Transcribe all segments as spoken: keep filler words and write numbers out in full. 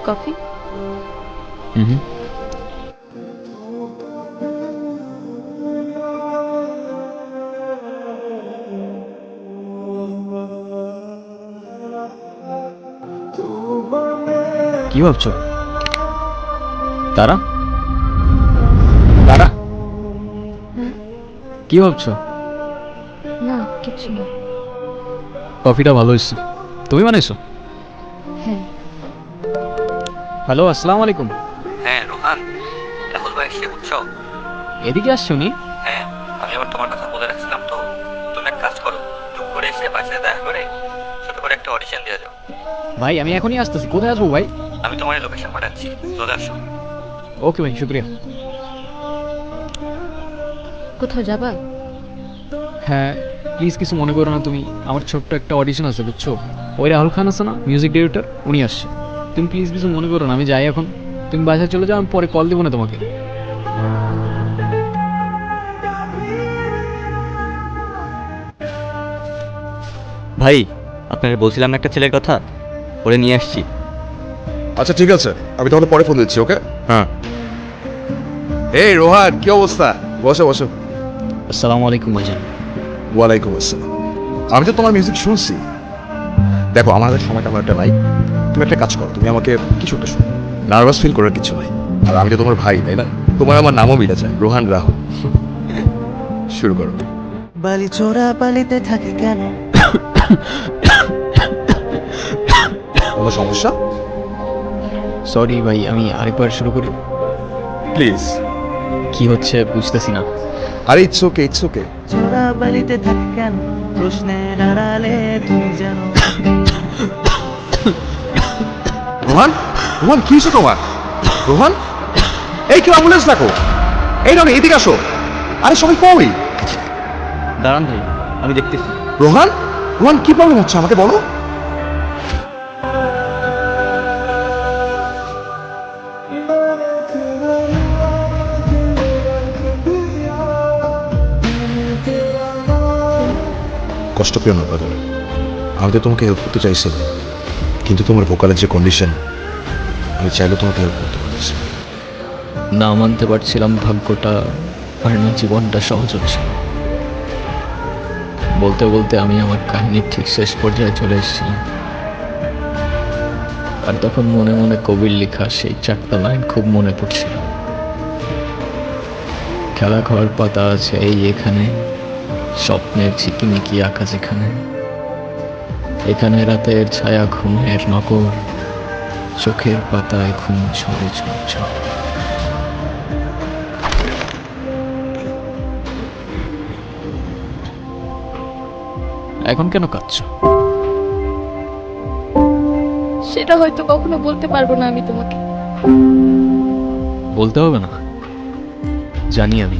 Coffee? হুম হুম। কি ভাবছো? তারা তারা কি ভাবছো? না, কিছু না। কফিটা ভালো হয়েছে। তুমি বানাইছো? হ্যাঁ। হ্যালো, আসসালামু আলাইকুম। হ্যাঁ রোহান, রাহুল ভাই সে বুঝছো? এদিকে আসছো নি? হ্যাঁ, আমি আবার তোমার কথা বলে রাখছিলাম তো। তুমি এক কাজ করো, টুক করে এসে বাসায় দেখা করে ছোট করে একটা অডিশন দিয়ে যাও। ভাই আমি এখনই আসতেছি। কোথায় আসবো ভাই? আমি তোমার লোকেশন পাঠাচ্ছি, চলে আসো। ওকে ভাই, শুক্রিয়া। কোথাও যাবা? হ্যাঁ, প্লিজ কিছু মনে করো না তুমি। আমার ছোট্ট একটা অডিশন আছে বুঝছো। ওই রাহুল খান আছে না, মিউজিক ডিরেক্টর, উনি আসছে। তুমি প্লিজ কিছু মনে করো না, আমি যাই এখন। তুমি বাসায় চলে যাও, আমি পরে কল দিব না তোমাকে। ভাই, আপনাকে বলছিলাম না একটা ছেলের কথা, ওরে নিয়ে আসছি। আচ্ছা ঠিক আছে, আমি তাহলে পরে ফোন দিচ্ছি। ওকে। হ্যাঁ। এই রোহান, কি অবস্থা? বসো বসো। আসসালামু আলাইকুম ভাইজান। ওয়ালাইকুম আসসালাম। আমি তো তোমার মিউজিক শুনছি। দেখো আমাদের সময়টা আমার একটা নাই। তুমি একটা কাজ করো, তুমি আমাকে কিছু একটা শোনো। নার্ভাস ফিল করার কিছু নাই। আর আমি তো তোমার ভাই, তাই না? তোমার আমার নামও মিলে যায়, রোহান রাহুল। শুরু করো। বালি চোরা বালিতে থাকে কেন? কোনো সমস্যা? সরি ভাই, আমি আরেকবার শুরু করি। প্লিজ। কি হচ্ছে বুঝতেছি না। আরে ইটস ওকে, ইটস ওকে। চোরা বালিতে থাকে কেন? প্রশ্নের আড়ালে তুমি জানো। রোহান, রোহান কি হয়েছে তোমার? রোহান, এই কেউ অ্যাম্বুলেন্স ডাকো। এই রনি, এদিকে আসো। আরে সবাই কই? দাঁড়ান ভাই, আমি দেখতেছি। রোহান, রোহান কি প্রবলেম হচ্ছে আমাকে বলো। কষ্ট পেও না ব্রাদার, আমি তো তোমাকে হেল্প করতে চাইছিলাম, কিন্তু তোমার ভোকালের যে কন্ডিশন, আমি চাইলে তোমাকে হেল্প করতে পারছি। না মানতে পারছিলাম ভাগ্যটা আর না জীবনটা সহজ হচ্ছে। বলতে বলতে আমি আমার কাহিনীর ঠিক শেষ পর্যায়ে চলে এসেছিলাম। আর তখন মনে মনে কবির লেখা সেই চারটা লাইন খুব মনে পড়ছিল। খেলা ঘর পাতা আছে এই এখানে, স্বপ্নের ঝিকিমিকি আঁকা যেখানে, এখানে রাতের ছায়া ঘুমের নগর, চোখের পাতায় ঘুম ঝরে ঝরঝর। এখন কেন কাঁদছো? সেটা হয়তো কখনো বলতে পারবো না আমি তোমাকে। বলতে হবে না, জানি আমি।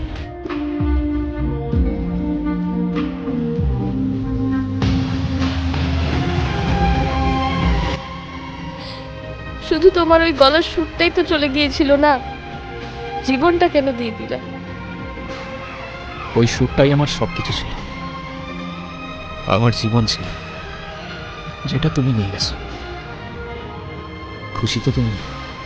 শুধু তোমার ওই গলার সুরটাই তো চলে গিয়েছিল না, জীবনটা কেন দিয়ে দিলা? ওই সুরটাই আমার সবকিছু ছিল, আমার জীবন ছিল, যেটা তুমি নিয়ে গেছো। খুশি তো তুমি?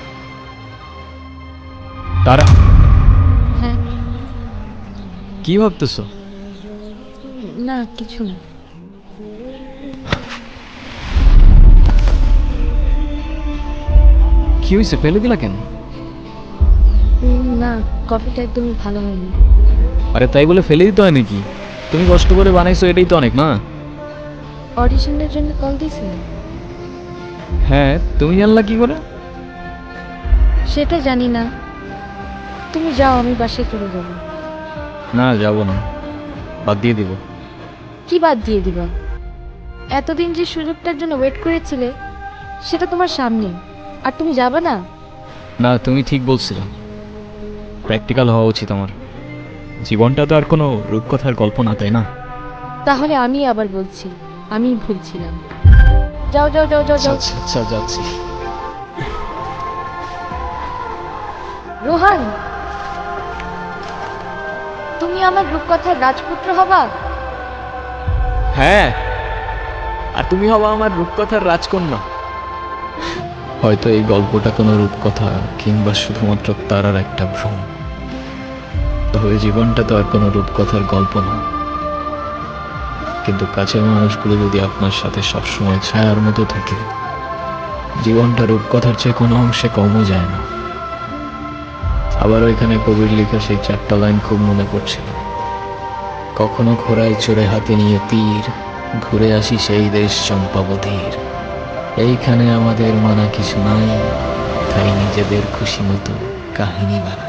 তারা হ্যাঁ। কি ভাবতেছো? না, কিছু না। কি হয়েছে, ফেলে দিলা কেন? উম, না, কফিটা একদমই ভালো হয়নি। আরে তাই বলে ফেলে দিতে হয় নাকি? তুমি কষ্ট করে বানাইছো, এটাই তো অনেক না? অডিশনের জন্য কল দিয়েছিলে? হ্যাঁ, তুমি জানলা কি করে? সেটা জানি না, তুমি যাও, আমি বাসায় চলে যাবো। না, যাবো না, বাদ দিয়ে দিব। কি বাদ দিয়ে দিবা? এতদিন যে সুযোগটার জন্য ওয়েট করেছিলে সেটা তোমার সামনে, আর তুমি যাবে না? না, তুমি ঠিক বলছিলে, প্র্যাকটিক্যাল হওয়া উচিত আমার। জীবনটা তো আর কোনো রূপকথার গল্প না, তাই না? তাহলে আমি আবার বলছি, আমি ভুলছিলাম। যাও যাও যাও যাও যাও। আচ্ছা আচ্ছা, যাচ্ছি। রোহান, তুমি আমার রূপকথার রাজপুত্র হবা। হ্যাঁ, আর তুমি হবা আমার রূপকথার রাজকন্যা। হয়তো এই গল্পটা কোনো রূপকথা কিংবা শুধুমাত্র তারার একটা ভ্রম, তবে জীবনটা তো আর কোনো রূপকথার গল্প না। কিন্তু কাছের মানুষগুলো যদি আপনার সাথে সবসময় ছায়ার মতো থাকে, জীবনটা রূপকথার চেয়ে কোনো অংশে কমও যায় না। আবার ওইখানে কবির লেখা সেই চারটা লাইন খুব মনে পড়ছিল। কখনো ঘোড়ায় চড়ে হাতে নিয়ে তীর, ঘুরে আসি সেই দেশ চম্পাবতীর। এইখানে আমাদের মানা কিছু নাই, তাই নিজেদের খুশি মতো কাহিনী বানাই।